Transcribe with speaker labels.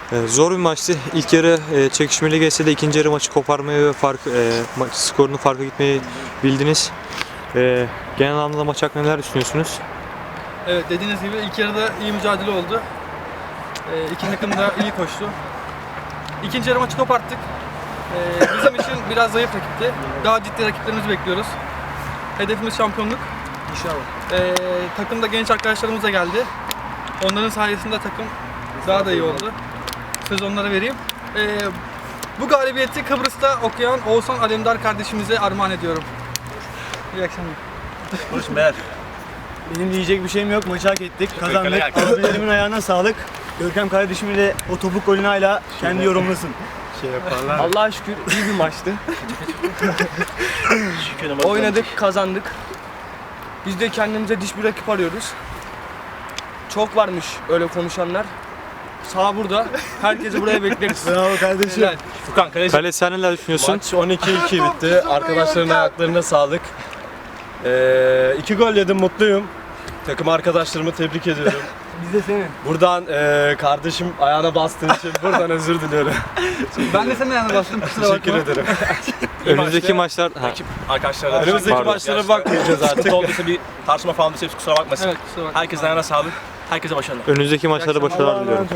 Speaker 1: Zor bir maçtı. İlk yarı çekişmeli geçse de ikinci yarı maçı koparmayı ve maç skorunu farka gitmeyi bildiniz. Genel anlamda maç hakkında neler düşünüyorsunuz?
Speaker 2: Evet, dediğiniz gibi ilk yarıda iyi mücadele oldu. İki takım da iyi koştu. İkinci yarı maçı koparttık. Bizim için biraz zayıf rakipti. Daha ciddi rakiplerimizi bekliyoruz. Hedefimiz şampiyonluk. İnşallah. Takımda genç arkadaşlarımız da geldi. Onların sayesinde takım daha da iyi oldu. Söz onlara vereyim. Bu galibiyeti Kıbrıs'ta okuyan Oğuzhan Alemdar kardeşimize armağan ediyorum. İyi akşamlar.
Speaker 3: Konuşma beyler.
Speaker 4: Benim diyecek bir şeyim yok. Maçı hak ettik. Kazandık. Abilerimin ayağına sağlık. Görkem kardeşimi de o topuk golünü hala kendi yorumlasın.
Speaker 5: Allah'a şükür iyi bir maçtı. Oynadık, kazandık. Biz de kendimize diş bir rakip arıyoruz. Çok varmış öyle konuşanlar. Sağ burada. Herkesi buraya bekleriz.
Speaker 4: Bravo kardeşim.
Speaker 5: Helal.
Speaker 3: Furkan kaleci.
Speaker 1: Kale sen neler düşünüyorsun?
Speaker 6: Maç 12-2 bitti. Arkadaşların ayaklarına sağlık. 2 gol yedim, mutluyum. Takım arkadaşlarımı tebrik ediyorum.
Speaker 5: Biz de senin.
Speaker 6: Buradan kardeşim ayağına bastığın için buradan özür diliyorum.
Speaker 2: Ben de senin ayağına bastım, kusura bakma.
Speaker 6: Teşekkür ederim.
Speaker 1: Önümüzdeki maçlar...
Speaker 3: Ekip arkadaşlarla.
Speaker 6: Önümüzdeki
Speaker 1: Pardon.
Speaker 6: maçlara bakmayacağız artık.
Speaker 3: Artık olduysa bir tartışma falan olursa hepsi kusura bakmasın.
Speaker 2: Evet, kusura bakma.
Speaker 3: Herkesin ayağına sağlık. Herkese başarılar.
Speaker 1: Önümüzdeki maçlarda başarılar diliyorum.